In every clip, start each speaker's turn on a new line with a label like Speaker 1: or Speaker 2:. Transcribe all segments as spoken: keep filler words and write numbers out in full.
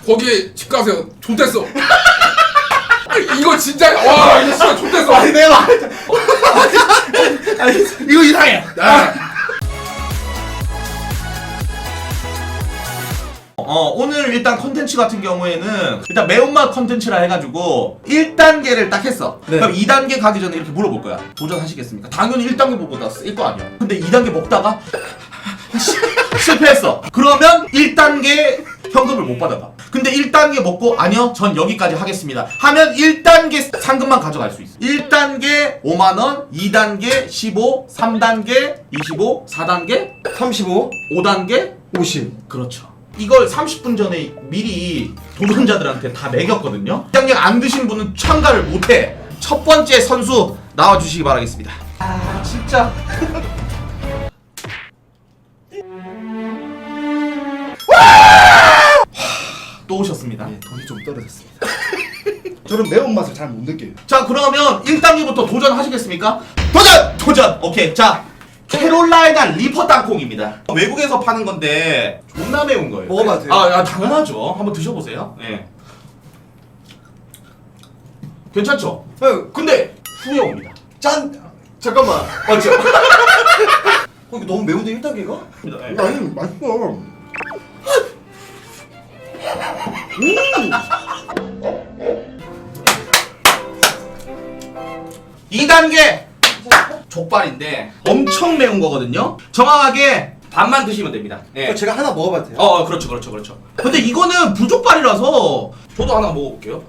Speaker 1: 거기에 집 가세요. 좋댔어. 이거 진짜 와 이거 진짜 좋댔어.
Speaker 2: 아니 내가 아니
Speaker 1: 이거 이상해. 아.
Speaker 2: 어 오늘 일단 컨텐츠 같은 경우에는 일단 매운맛 컨텐츠라 해가지고 일 단계를 딱 했어.
Speaker 3: 네.
Speaker 2: 그럼 이 단계 가기 전에 이렇게 물어볼 거야. 도전하시겠습니까? 당연히 일 단계 보고다 쓸 거 아니야. 근데 이 단계 먹다가 실패했어. 그러면 일 단계 현금을 못 받아가. 근데 일 단계 먹고 아니요 전 여기까지 하겠습니다 하면 일 단계 상금만 가져갈 수 있어. 일 단계 오만 원, 이 단계 십오, 삼 단계 이십오, 사 단계
Speaker 3: 삼십오,
Speaker 2: 오 단계
Speaker 3: 오십.
Speaker 2: 그렇죠. 이걸 삼십 분 전에 미리 도전자들한테 다 매겼거든요. 당장 안 드신 분은 참가를 못해. 첫 번째 선수 나와주시기 바라겠습니다. 아 진짜 또 오셨습니다.
Speaker 3: 예, 돈이 좀 떨어졌습니다. 저는 매운맛을 잘 못 느껴요.
Speaker 2: 자 그러면 일 단계부터 도전하시겠습니까? 도전! 도전! 오케이 자 캐롤라이나 리퍼 땅콩입니다. 외국에서 파는 건데 존나 매운 거예요.
Speaker 3: 먹어봐도 돼요?
Speaker 2: 아, 아 당연하죠. 한번 드셔보세요. 네. 괜찮죠?
Speaker 3: 형,
Speaker 2: 근데 후회 옵니다.
Speaker 3: 짠! 잠깐만.
Speaker 2: 맞죠?
Speaker 3: 어, 이거 너무 매운데 일 단계가?
Speaker 2: 네.
Speaker 3: 아니, 맛있어.
Speaker 2: 이 단계 족발인데 엄청 매운 거거든요. 정확하게 반만 드시면 됩니다. 네.
Speaker 3: 어, 제가 하나 먹어봐도 돼요?
Speaker 2: 어, 어 그렇죠 그렇죠 그렇죠. 근데 이거는 불족발이라서 저도 하나 먹어볼게요.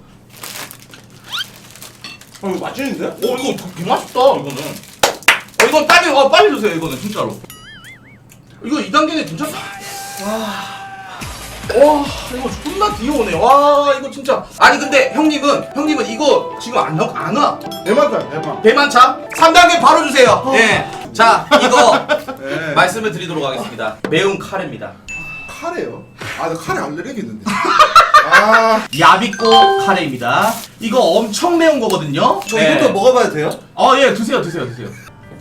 Speaker 3: 어, 이거 맛있는데?
Speaker 2: 어 이거 되게 맛있다 이거는. 어 이건 빨리 어 빨리 드세요 이거는 진짜로. 이거 이 단계는 괜찮다. 와. 와 이거 존나 귀여우네. 와 이거 진짜. 아니 근데 형님은 형님은 이거 지금 안 와? 안 와?
Speaker 3: 대만다, 대만.
Speaker 2: 대만차 삼 단계 바로 주세요. 네. 자 이거
Speaker 3: 네.
Speaker 2: 말씀을 드리도록 하겠습니다. 매운 카레입니다.
Speaker 3: 카레요? 아, 나 카레 알레르기 있는데. 아,
Speaker 2: 야비꼬 카레입니다. 이거 엄청 매운 거거든요.
Speaker 3: 저 이것도 먹어봐도 돼요?
Speaker 2: 어예 드세요 드세요 드세요.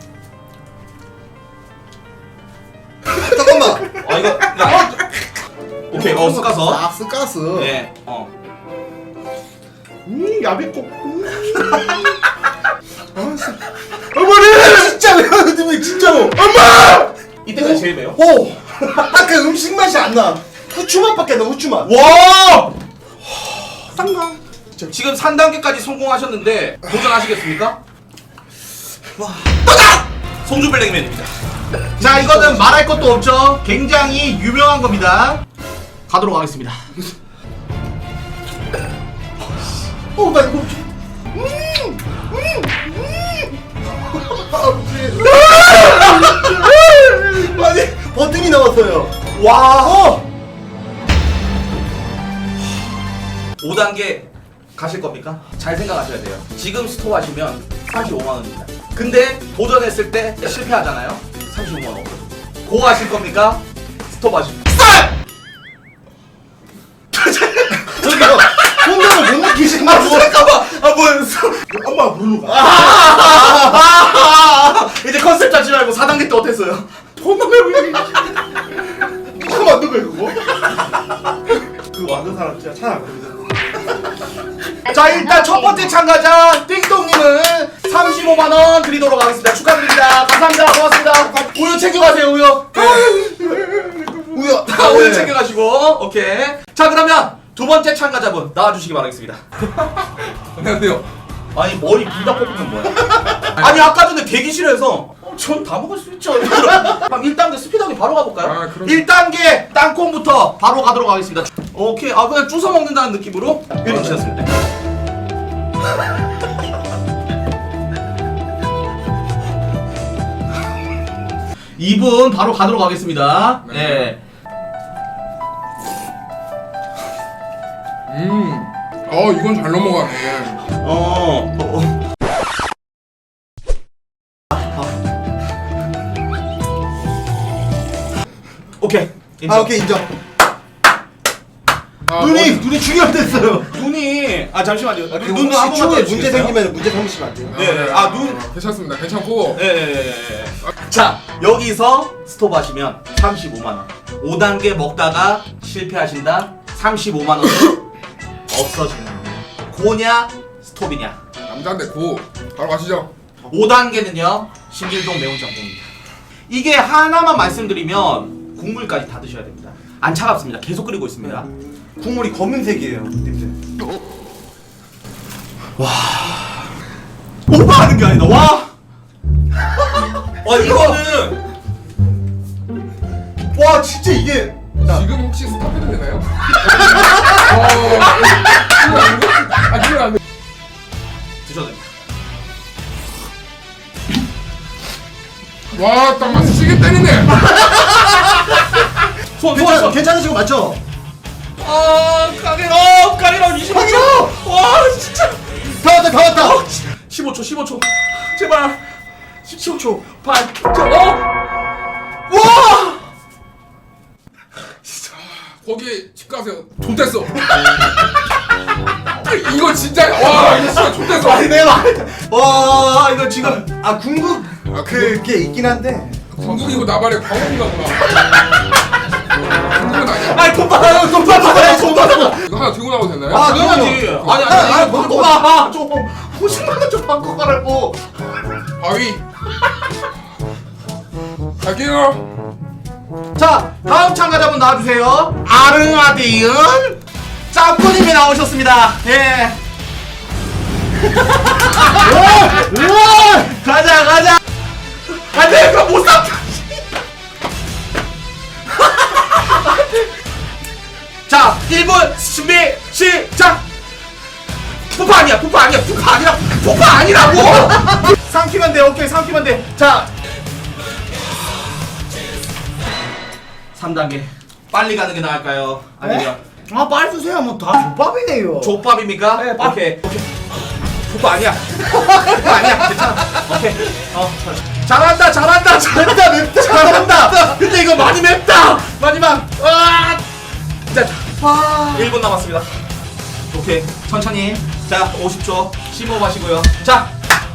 Speaker 3: 잠깐만.
Speaker 2: 아 이거 야, 오케이 어 쓱가서
Speaker 3: 아, 스가스.
Speaker 2: 네 어.
Speaker 3: 음, 야비꼬. 음. 아, 씨. 어머니! 진짜 매운데, 진짜로. 엄마!
Speaker 2: 이때가 제일 매워?
Speaker 3: 오! 딱 그 음식 맛이 안 나. 후추 맛밖에 안 나, 후추 맛.
Speaker 2: 와!
Speaker 3: 쌍가.
Speaker 2: 지금 삼 단계까지 성공하셨는데 도전하시겠습니까?
Speaker 3: 와.
Speaker 2: 도전! 송주블랙맨입니다. 자 이거는 말할 것도 없죠. 굉장히 유명한 겁니다. 가도록 하겠습니다.
Speaker 3: 어, 나 이거. 음! 음! 음! 아니, 버튼이 나왔어요.
Speaker 2: 와! 어! 오 단계 가실 겁니까? 잘 생각하셔야 돼요. 지금 스톱하시면 삼십오만 원입니다. 근데 도전했을 때 실패하잖아요? 삼십오만 원 없어요. 고 하실 겁니까? 스톱하시면
Speaker 3: 저기요, 혼자를 못 느끼시는 거.
Speaker 2: 아 잠깐만! 아 뭐야
Speaker 3: 엄마 부르는 거.
Speaker 2: 아, 이제 컨셉 잡지 말고 사 단계 때 어땠어요? 존나 매워.
Speaker 3: 누가 만든 거야, 그거? 그거 만든 사람 진짜 잘 알거든.
Speaker 2: 자 일단 첫 번째 참가자 띵동님은 삼십오만 원 드리도록 하겠습니다. 축하드립니다. 감사합니다. 고맙습니다. 우유 챙겨가세요 우유.
Speaker 3: 우야.
Speaker 2: 아, 우유 챙겨가시고 오케이. 자 그러면 두 번째 참가자분 나와주시기 바라겠습니다.
Speaker 1: 안녕하세요.
Speaker 2: 아니 머리 둘 다 뽑으면 뭐야? 아니 아까 전에 대기실에서 어, 전 다 먹을 수 있죠. 그럼 일 단계 스피드하게 바로 가볼까요?
Speaker 1: 아, 그럼.
Speaker 2: 일 단계 땅콩부터 바로 가도록 하겠습니다. 오케이 아 그냥 주워 먹는다는 느낌으로 해주셨습니다. 이 분 바로 가도록 하겠습니다.
Speaker 1: 네.
Speaker 2: 네.
Speaker 1: 음. 어 이건 잘 넘어가네.
Speaker 2: 어. 어, 어. 오케이. 인정.
Speaker 3: 아, 오케이, 인정.
Speaker 1: 아,
Speaker 3: 눈이,
Speaker 1: 머리-
Speaker 3: 눈이 중요했어요.
Speaker 2: 눈이 아 잠시만요.
Speaker 3: 아,
Speaker 2: 눈
Speaker 3: 눈
Speaker 2: 한 번만
Speaker 3: 시추에 문제
Speaker 2: 떼주시겠어요?
Speaker 3: 생기면 문제 삼으시면 안 돼요.
Speaker 2: 네, 네. 아, 눈.
Speaker 1: 괜찮습니다. 괜찮고.
Speaker 2: 예. 자 여기서 스톱하시면 삼십오만 원. 오 단계 먹다가 실패하신다. 삼십오만 원 없어지는 겁니다. 고냐 스톱이냐.
Speaker 1: 남자인데 고 바로 가시죠.
Speaker 2: 오 단계는요 신길동 매운 짬뽕입니다. 이게 하나만 말씀드리면 국물까지 다 드셔야 됩니다. 안 차갑습니다. 계속 끓이고 있습니다.
Speaker 3: 국물이 검은색이에요. 냄새.
Speaker 2: 오버하는 게 아니다. 와. 와 이거는
Speaker 3: 와 진짜 이게
Speaker 1: 지금 혹시 스탑해도 되나요? 어, 아, 지금 안 돼.
Speaker 2: 드셔도 됩니다.
Speaker 1: 와, 딱 맞어. 시계 때리네.
Speaker 2: 손, 손,
Speaker 3: 괜찮,
Speaker 2: 손.
Speaker 3: 괜찮으신 거 맞죠?
Speaker 2: 아, 가게로, 어, 가게로 이십오 초. 와, 진짜.
Speaker 3: 다 왔다 다 왔다.
Speaker 2: 어, 십오 초, 십오 초. 제발. 십칠 초. 반. 저, 어. 와.
Speaker 1: 거기 집 가세요. 좋댔어. 이거 진짜 와, 이거 진짜 좋댔어.
Speaker 3: 아니 내가
Speaker 2: 와, 이거 지금.
Speaker 3: 아 궁극
Speaker 1: 아,
Speaker 3: 그게 있긴 한데.
Speaker 1: 궁극이고 나발의 광원인가 보다. 궁극은 아니야.
Speaker 2: 아이, 돈 받아요, 돈 받아요, 돈 받아요.
Speaker 1: 이거 하나 들고 나가도 되나요?
Speaker 3: 아,
Speaker 2: 당연하지.
Speaker 3: 그럼요.
Speaker 2: 아니, 아니,
Speaker 3: 아,
Speaker 2: 아니,
Speaker 3: 아,
Speaker 2: 바꿔
Speaker 3: 바꿔.
Speaker 2: 가. 좀 오십만 원 좀 바꿔 가라고.
Speaker 1: 바위. 갈게요.
Speaker 2: 자, 다음 참가자분 나와주세요. 아르마디은 짬꾸님이 나오셨습니다. 예. 가자, 가자. 안돼, 그거 못 사. 자, 일 분 준비 시작. 푸파 아니야, 푸파 아니야, 푸파 아니라, 푸파 아니라고. 삼키면 돼, 오케이, 삼키면 돼. 자. 삼 단계 빨리 가는 게 나을까요? 아니면
Speaker 3: 아 빨리 주세요. 뭐 다 족밥이네요.
Speaker 2: 족밥입니까?
Speaker 3: 네, 밥.
Speaker 2: 오케이 오케이 족밥 아니야. 족밥 아니야. 괜찮아. 오케이. 어 잘한다 잘한다 잘한다 맵다 잘한다. 근데 이거 많이 맵다. 마지막. 와. 자, 일 분 남았습니다. 오케이 천천히. 자 오십 초 심호흡하시고요. 자.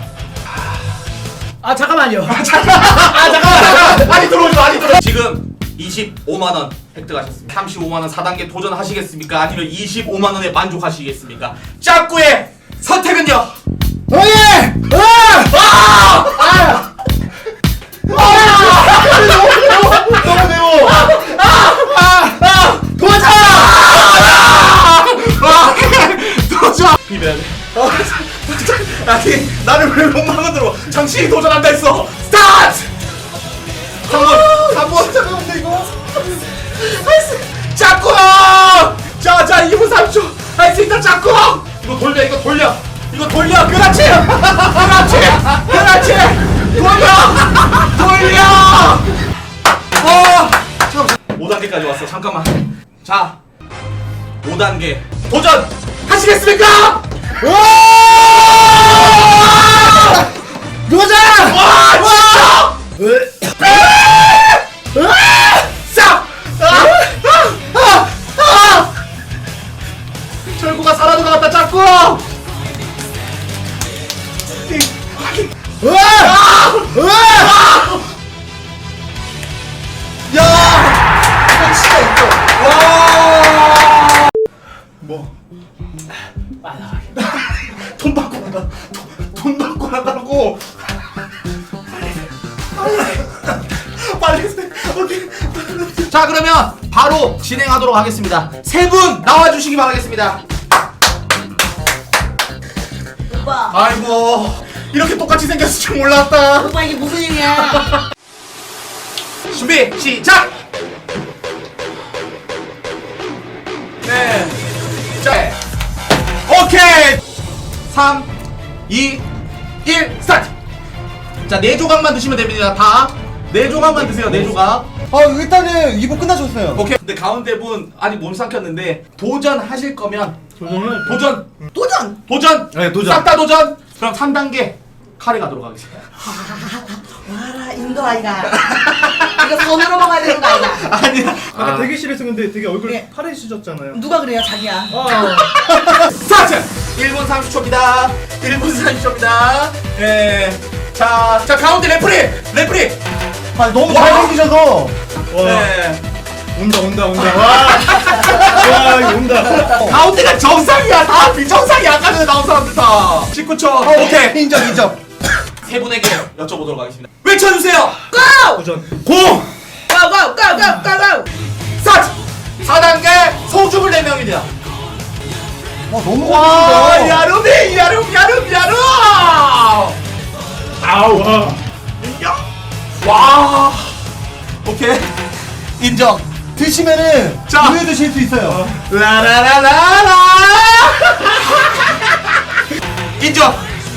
Speaker 3: 아 잠깐만요.
Speaker 2: 아 잠깐만. 아 잠깐만. 많이 들어오지 많이 들어. 지금 이십오만 원 획득하셨습니다. 삼십오만 원 사 단계 도전하시겠습니까? 아니면 이십오만 원에 만족하시겠습니까? 짝구의 선택은요?
Speaker 3: 오예!
Speaker 2: 아! 아!
Speaker 3: 너무 매워.
Speaker 2: 도전! 도전! 비벼야 돼. 아니 나를 왜 못 막아들어? 당신이 도전한다 했어. 스타트! 삼 분! 삼 분!
Speaker 3: 잠깐만요 이거.
Speaker 2: 짝꿍! 자, 자, 이 분 삼십 초! 할 수 있다, 짝꿍! 이거 돌려, 이거 돌려! 이거 돌려! 그렇지! 그렇지! 그렇지! 돌려! 돌려! 어! 잠깐만, 오 단계까지 왔어, 잠깐만. 자, 오 단계 도전! 하시겠습니까?
Speaker 3: 도전!
Speaker 2: 와, 진짜! 싹! 아! 아! 아! 철구가 살아도 나왔다 짝꿍!
Speaker 3: 야! 이거 진짜 있어.
Speaker 2: 와!
Speaker 3: 뭐?
Speaker 2: 돈 받고 나가. 돈, 돈 받고 나가라고. 빨리 해. 오케이. 자, 그러면 바로 진행하도록 하겠습니다. 세 분 나와 주시기 바라겠습니다.
Speaker 4: 오빠,
Speaker 2: 아이고, 이렇게 똑같이 생겼을 줄 몰랐다.
Speaker 4: 오빠 이게 무슨 일이야?
Speaker 2: 준비 시작. 네. 자. 오케이. 삼 이 일 스타트. 자, 네 조각만 드시면 됩니다. 다. 네 조각만 드세요. 네 조각.
Speaker 3: 아 일단은 이 부 끝나셨어요.
Speaker 2: 오케이. 근데 가운데 분 아직 몸 삼켰는데 도전하실 거면
Speaker 3: 도전을
Speaker 2: 도전.
Speaker 4: 도전!
Speaker 2: 도전.
Speaker 3: 네, 도전.
Speaker 2: 싹 다 도전. 그럼 삼 단계 카레 가도록 하겠습니다.
Speaker 4: 와라, 인도 아이가. 이거 손으로 먹어야 되는 거 아이가.
Speaker 2: 아니야.
Speaker 3: 아까 대기실에서 근데 되게 얼굴
Speaker 4: 예.
Speaker 3: 파래지셨잖아요.
Speaker 4: 누가 그래요, 자기야?
Speaker 2: 스타트! 일 분 삼십 초입니다. 일 분 삼십 초입니다. 예. 자, 자 가운데 레프리! 레프리!
Speaker 3: 아 너무
Speaker 2: 와.
Speaker 3: 잘생기셔서.
Speaker 2: 네.
Speaker 3: 온다 온다 온다. 와. 와 이거 온다.
Speaker 2: 가운데가 정상이야. 다 비정상이야. 아까 전에 나온 사람들 다. 십구 초. 오케이.
Speaker 3: 인정 인정.
Speaker 2: 세 분에게 여쭤보도록 하겠습니다. 외쳐주세요.
Speaker 4: 고!
Speaker 3: 도전.
Speaker 2: 고!
Speaker 4: 고! 고! 고! 고! 고! 고!
Speaker 2: 사! 사 단계 소주물 네 명입니다.
Speaker 3: 와 너무
Speaker 2: 와,
Speaker 3: 재밌다.
Speaker 2: 야름이, 야름, 야름, 야름!
Speaker 3: 아우 와.
Speaker 2: 인정? 와. 오케이. 인정.
Speaker 3: 드시면은
Speaker 2: 자.
Speaker 3: 우유 드실 수 있어요.
Speaker 2: 라라라라라! 인정!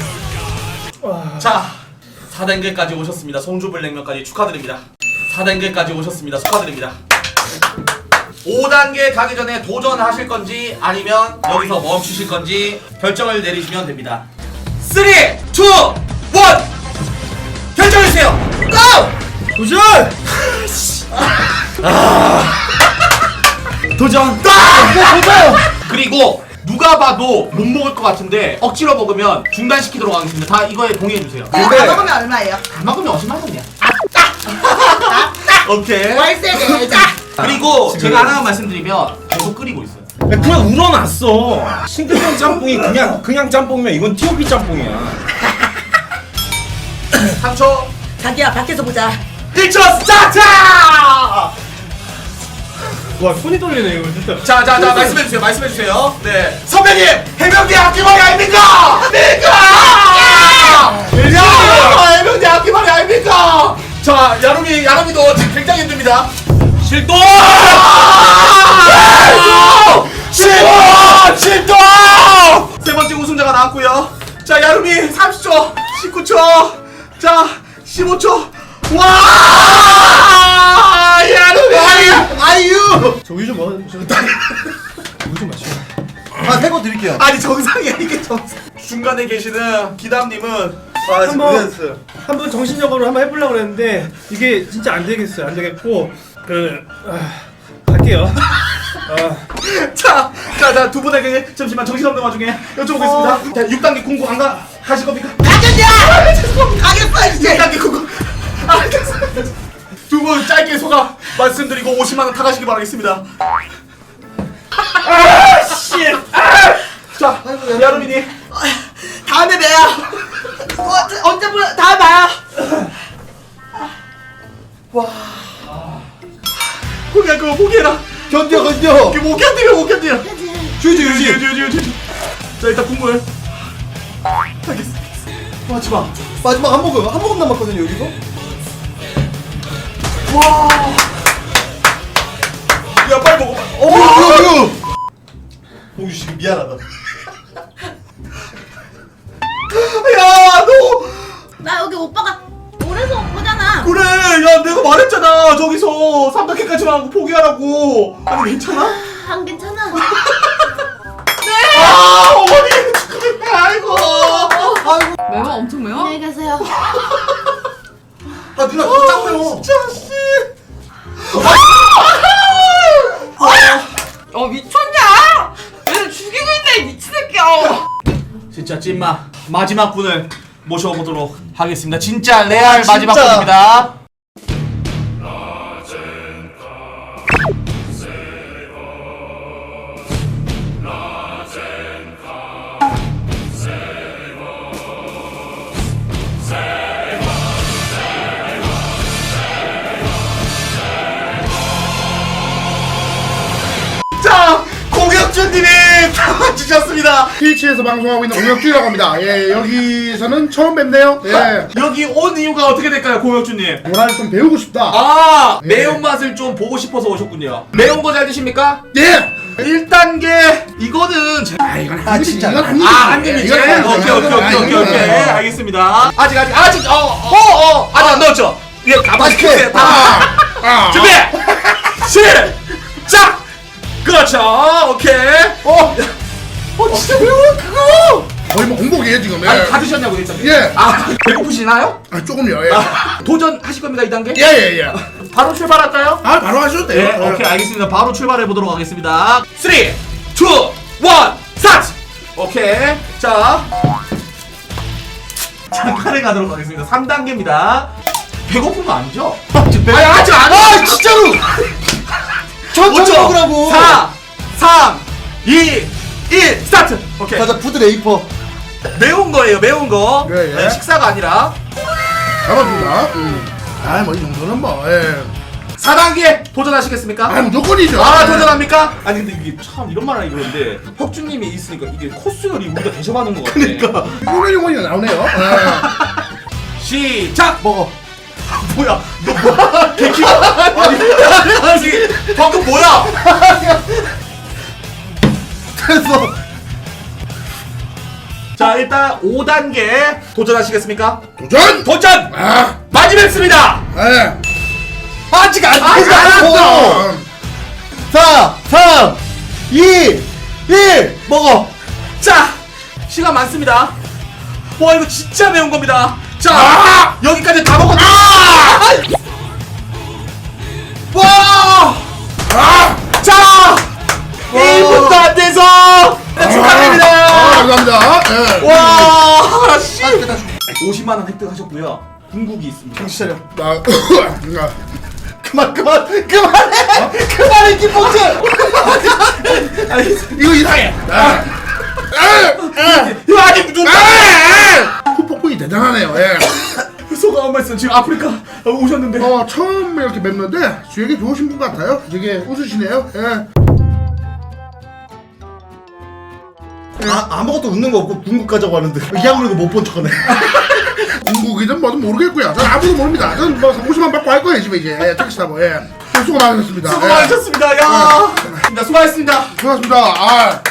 Speaker 2: 자, 사 단계까지 오셨습니다. 송주불냉면까지 축하드립니다. 사 단계까지 오셨습니다. 축하드립니다. 오 단계 가기 전에 도전하실 건지 아니면 여기서 멈추실 건지 결정을 내리시면 됩니다. 삼, 이, 일 결정해주세요! 고!
Speaker 3: 도전.
Speaker 2: 도전!
Speaker 3: 도전.
Speaker 2: 그리고 누가 봐도 못 먹을 것 같은데 억지로 먹으면 중단시키도록 하겠습니다. 다 이거에 동의해주세요.
Speaker 4: 다 먹으면 얼마예요?
Speaker 2: 다 먹으면 오십만 원이야. 오케이.
Speaker 4: 월세네. 자.
Speaker 2: 그리고 제가 하나 말씀드리면 계속 끓이고 있어요.
Speaker 3: 그냥 우러났어. 싱크병 짬뽕이 그냥 그냥 짬뽕이면 이건 티오피 짬뽕이야.
Speaker 2: 삼 초,
Speaker 4: 자기야 밖에서 보자.
Speaker 2: 일 초 스타트!
Speaker 3: 와 손이 떨리네 이거 진짜.
Speaker 2: 자, 자, 자, 말씀해주세요. 말씀해주세요. 네. 선배님! 해병대 앞뒤머리 아닙니까? 아닙니까? 야! 해병대 앞뒤머리 아닙니까? 자, 야름이, 야름이도 지금 굉장히 힘듭니다.
Speaker 3: 실동.
Speaker 2: 실동! 실동! 세 번째 우승자가 나왔고요. 자, 야름이 삼십 초, 십구 초, 자, 십오 초. 와! 야름이! 아유!
Speaker 3: 저 우유 좀 먹어. 저 우유 좀 마시고.
Speaker 5: 아, 새거 드릴게요.
Speaker 2: 아니 정상이야 이게 정상. 중간에 계시는 기담님은 아 지금
Speaker 3: 한번
Speaker 2: 고생했어요.
Speaker 3: 한번 정신적으로 한번 해보려고 그랬는데 이게 진짜 안 되겠어요. 안 되겠고 그 아, 갈게요. 아,
Speaker 2: 자, 자, 자, 두 분에게 잠시만 정신없는 와중에 여쭤보겠습니다. 자, 육 단계 공부 안 가, 가실 겁니까?
Speaker 4: 가겠냐? 가겠어
Speaker 2: 육
Speaker 4: 이제.
Speaker 2: 단계 공부. 아, 두 분 짧게 소감 말씀드리고 오십만 원 타가시기 바라겠습니다. 아, 씨. 자, 여름이니.
Speaker 4: 다음에 봬요. 어, 언제 보여? 다음에 봐요.
Speaker 2: 포기할 거 포기해라.
Speaker 5: 견뎌, 견뎌.
Speaker 2: 이게 못 견디면 못 견디요.
Speaker 5: 주지,
Speaker 2: 유지,
Speaker 5: 주지.
Speaker 2: 유지, 유지, 유지. 자, 일단 국물. 알겠어. 마지막.
Speaker 5: 마지막 한 모금, 한 모금 남았거든요, 여기서.
Speaker 2: 와. 야, 빨리 먹어.
Speaker 5: 어, 우유, 우유. 봉주 씨, 미안하다.
Speaker 2: 야, 너.
Speaker 6: 나 여기 오빠가 오래서 온 거잖아.
Speaker 2: 그래, 야, 내가 말했잖아. 저기서 삼각형까지만 하고 포기하라고. 아니, 괜찮아?
Speaker 6: 안 괜찮아.
Speaker 2: 아, 어머니. 아이고.
Speaker 6: 매워? 엄청 매워? 안녕히 계세요.
Speaker 5: 아, 누나, 그거 짱 매워.
Speaker 2: 진짜, 씨.
Speaker 4: 어 미쳤냐? 얘를 죽이고 있네 이 미친 새끼야.
Speaker 2: 진짜 찐마 마지막 분을 모셔보도록 하겠습니다. 진짜 레알
Speaker 5: 진짜.
Speaker 2: 마지막 분입니다. 자, 공혁준님이 당황주셨습니다.
Speaker 7: 트위치에서 방송하고 있는 공혁주라고 합니다. 예, 여기서는 처음 뵙네요. 예,
Speaker 2: 여기 온 이유가 어떻게 될까요, 공혁준님?
Speaker 7: 문화를 좀 배우고 싶다.
Speaker 2: 아,
Speaker 7: 네.
Speaker 2: 매운맛을 좀 보고 싶어서 오셨군요. 매운 거 잘 드십니까?
Speaker 7: 예!
Speaker 2: 일 단계 이거는 제...
Speaker 7: 아, 이건
Speaker 5: 아,
Speaker 7: 한 입이지.
Speaker 5: 진짜.
Speaker 7: 이건 한 입이지.
Speaker 2: 아, 한 입이지?
Speaker 7: 이건
Speaker 2: 오케이,
Speaker 7: 한
Speaker 2: 오케이,
Speaker 7: 입이지.
Speaker 2: 오케이,
Speaker 7: 아,
Speaker 2: 오케이,
Speaker 7: 이건
Speaker 2: 오케이.
Speaker 7: 한 입이지.
Speaker 2: 알겠습니다. 아직, 아직, 아직, 어, 어, 어, 아직 안 넣었죠? 예, 가만히 계세요. 다.
Speaker 7: 아,
Speaker 2: 준비! 시작! 그렇죠, 오케이. 어, 어, 진짜 매워, 그거!
Speaker 7: 거의 뭐 공복이에요, 지금. 예.
Speaker 2: 아니, 다 드셨냐고요, 일단.
Speaker 7: 예.
Speaker 2: 아, 배고프시나요?
Speaker 7: 아, 조금요, 예.
Speaker 2: 아, 도전하실 겁니다, 이 단계?
Speaker 7: 예, 예, 예.
Speaker 2: 바로 출발할까요?
Speaker 7: 아, 바로 하셔도 돼요.
Speaker 2: 네, 오케이, 알겠습니다. 바로 출발해 보도록 하겠습니다. 삼, 이, 일, 스타트! 오케이. 자. 잠깐에 가도록 하겠습니다. 삼 단계입니다. 배고픈 거 아니죠? 아니, 아직 안 와! 진짜로!
Speaker 5: 천천히 먹으라고.
Speaker 2: 사, 삼, 이, 일 스타트. 오케이.
Speaker 5: 가자 푸드 레이퍼.
Speaker 2: 매운 거예요, 매운 거.
Speaker 7: 예, 예.
Speaker 2: 네, 식사가 아니라.
Speaker 7: 잡아줍니다. 음. 아뭐 이 정도는 뭐. 예.
Speaker 2: 사 단계 도전하시겠습니까?
Speaker 7: 아 무조건이죠.
Speaker 2: 아 도전합니까? 아니 근데 이게 참 이런 말 하기 그런데 혁준님이 있으니까 이게 코스 요리 우리가 대접하는 것 같아. 그러니까.
Speaker 7: 이거는 용어가 나오네요. 예.
Speaker 2: 시작.
Speaker 5: 먹어.
Speaker 2: 뭐야? 너 뭐야? 개키? 아니, 아니 방금 뭐야?
Speaker 5: 됐어.
Speaker 2: 자 일단 오 단계 도전하시겠습니까?
Speaker 7: 도전.
Speaker 2: 도전!
Speaker 7: 아.
Speaker 2: 마지막입니다.
Speaker 7: 예.
Speaker 5: 아직 안
Speaker 2: 아직 안
Speaker 5: 되잖아.
Speaker 7: 아.
Speaker 5: 사, 삼, 이, 일 먹어.
Speaker 2: 자 시간 많습니다. 와 이거 진짜 매운 겁니다. 자
Speaker 7: 아!
Speaker 2: 여기까지 다 먹었.
Speaker 7: 아!
Speaker 2: 와!
Speaker 7: 아.
Speaker 2: 자 일 분도 안 돼서 네, 축하드립니다.
Speaker 7: 아, 감사합니다. 예.
Speaker 2: 와 씨. 오십만 원 획득하셨고요. 궁극이 있습니다.
Speaker 5: 정신 차려.
Speaker 7: 나. 아.
Speaker 5: 그만 그만 그만해. 그만해 김봉준.
Speaker 7: 이거 이상해. 아.
Speaker 2: 이거 아니 누가
Speaker 7: 후폭풍이 대단하네요. 예.
Speaker 2: 소감 한 말씀. 지금 아프리카 오셨는데
Speaker 7: 어 처음 이렇게 뵙는데 주역이 좋으신 분 같아요. 되게 웃으시네요. 예.
Speaker 5: 아 아무것도 웃는 거 없고 궁극 가자고 하는데 이악 물고 못 본 척하네.
Speaker 7: 중국이든 뭐든 모르겠고요. 전 아무도 모릅니다. 저는 뭐 오십만 받고 할 거예요 집에 이제. 예, 택시 타고. 예. 수고 많으셨습니다.
Speaker 2: 수고
Speaker 7: 예.
Speaker 2: 많으셨습니다. 야, 수고하셨습니다.
Speaker 7: 수고하셨습니다. 아.